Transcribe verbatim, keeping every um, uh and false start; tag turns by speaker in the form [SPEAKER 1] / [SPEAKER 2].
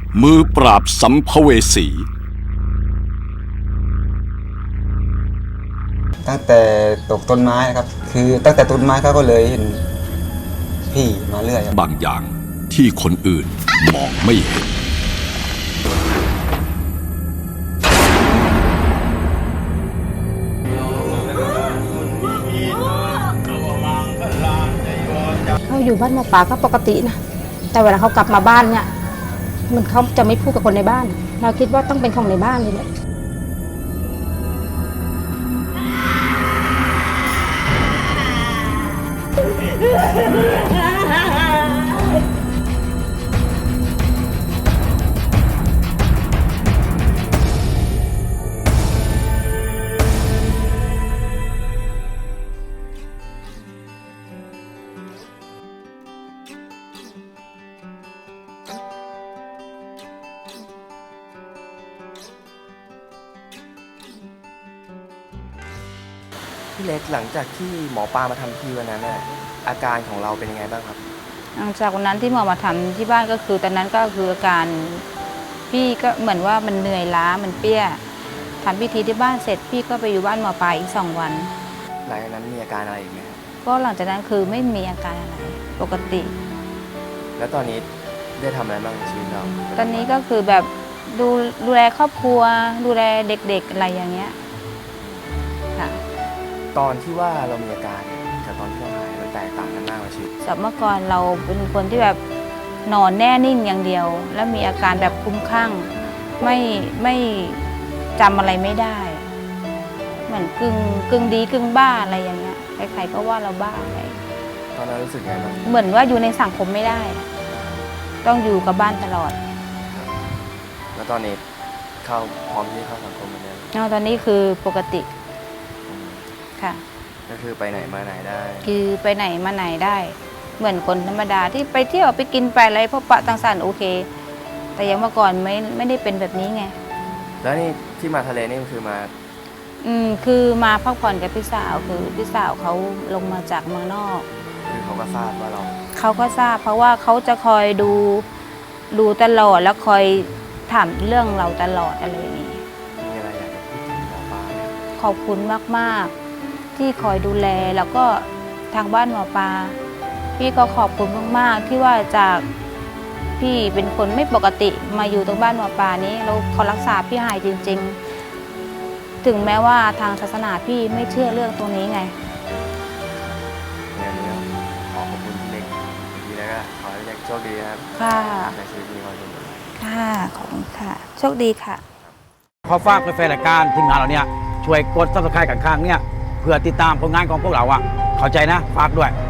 [SPEAKER 1] มือปราบสัมภเวสี
[SPEAKER 2] ตั้งแต่ตกต้นไม้ครับคือตั้งแต่ต้นไม้เขาก็เลยเห็นพี่มาเรื่อยครับ
[SPEAKER 1] บางอย่างที่คนอื่นมองไม่เห็น
[SPEAKER 3] เขาอยู่บ้านหมอปลาก็ปกตินะแต่เวลาเขากลับมาบ้านเนี่ยมันเขาจะไม่พูดกับคนในบ้านเราคิดว่าต้องเป็นของในบ้านเลยแหละ
[SPEAKER 4] พี่เล็กหลังจากที่หมอปลามาทำทีวันนั้นน่ะอาการของเราเป็นยังไงบ้างครับ
[SPEAKER 3] หลังจากวันนั้นที่หมอมาทำที่บ้านก็คือตอนนั้นก็คืออาการพี่ก็เหมือนว่ามันเหนื่อยล้ามันเปี้ยทำพิธีที่บ้านเสร็จพี่ก็ไปอยู่บ้านหมอปลาอีกสองวัน
[SPEAKER 4] หลังจากนั้นมีอาการอะไรอีกไหม
[SPEAKER 3] ก็หลังจากนั้นคือไม่มีอาการอะไรปกติ
[SPEAKER 4] แล้วตอนนี้ได้ทำอะไรบ้างในชีวิตเรา
[SPEAKER 3] ตอนนี้ก็คือแบบดูดูแลครอบครัวดูแลเด็กๆอะไรอย่างเงี้ยค่ะ
[SPEAKER 4] ตอนที่ว่าเรามีอาการกับตอนที่เราหายมันแตกต่างกันมากไหมชีวิต
[SPEAKER 3] สมัยก่อนเราเป็นคนที่แบบนอนแน่นิ่งอย่างเดียวแล้วมีอาการแบบคลุ้มคลั่งไม่ไม่จำอะไรไม่ได้เหมือนกึ่งกึ่งดีกึ่งบ้าอะไรอย่างเงี้ยใครๆก็ว่าเราบ้าอะไร
[SPEAKER 4] ตอนนั้นรู้สึกไงบ้าง
[SPEAKER 3] เหมือนว่าอยู่ในสังคมไม่ได้ต้องอยู่กับบ้านตลอด
[SPEAKER 4] แล้วตอนนี้เข้าพร้อมที่เข้าสังคมเหมือนเดิม
[SPEAKER 3] ตอนนี้คือปกติค่ะ
[SPEAKER 4] ก็คือไปไหนมาไหนได้
[SPEAKER 3] คือไปไหนมาไหนได้เหมือนคนธรรมดาที่ไปเที่ยวไปกินไปอะไรพบปะต่างสรรโอเคแต่ยังเมื่อก่อนไม่ไม่ได้เป็นแบบนี้ไง
[SPEAKER 4] แล้วนี่ที่มาทะเลนี่คือมา
[SPEAKER 3] อืมคือมาพักผ่อนกับพี่สาวคือพี่สาวเขาลงมาจากเมืองนอก
[SPEAKER 4] คือเขาก็ทราบว่าเรา
[SPEAKER 3] เขาก็ทราบเพราะว่าเขาจะคอยดูดูตลอดแล้วคอยถามเรื่องเราตลอดอะไรอย่างนี้
[SPEAKER 4] มีอะไรอยากจะพูดถึงหมอปลา
[SPEAKER 3] ขอบคุณมากๆที่คอยดูแลแล้วก็ทางบ้านหมอปลาพี่ก็ขอบคุณมากๆที่ว่าจากพี่เป็นคนไม่ปกติมาอยู่ตรงบ้านหมอปลานี้แล้วเขารักษาพี่หายจริงๆถึงแม้ว่าทางศาสนาพี่ไม่เชื่อเรื่องตรงนี้ไง
[SPEAKER 4] งั้นก็ขอขอบคุณพี่เล็กทีแล้วก็ขอให้พี่เล็กโชคดีครับ
[SPEAKER 3] ค่ะ
[SPEAKER 4] ในชีวิตมีความสุข
[SPEAKER 3] ค่ะขอบคุณค่ะโชคดีค่ะ
[SPEAKER 5] ขอฝากแฟนรายการทีมงานเราเนี่ยช่วยกดซับสไครต์กันข้างเนี่ยเพื่อติดตามผลงานของพวกเราอ่ะเข้าใจนะฝากด้วย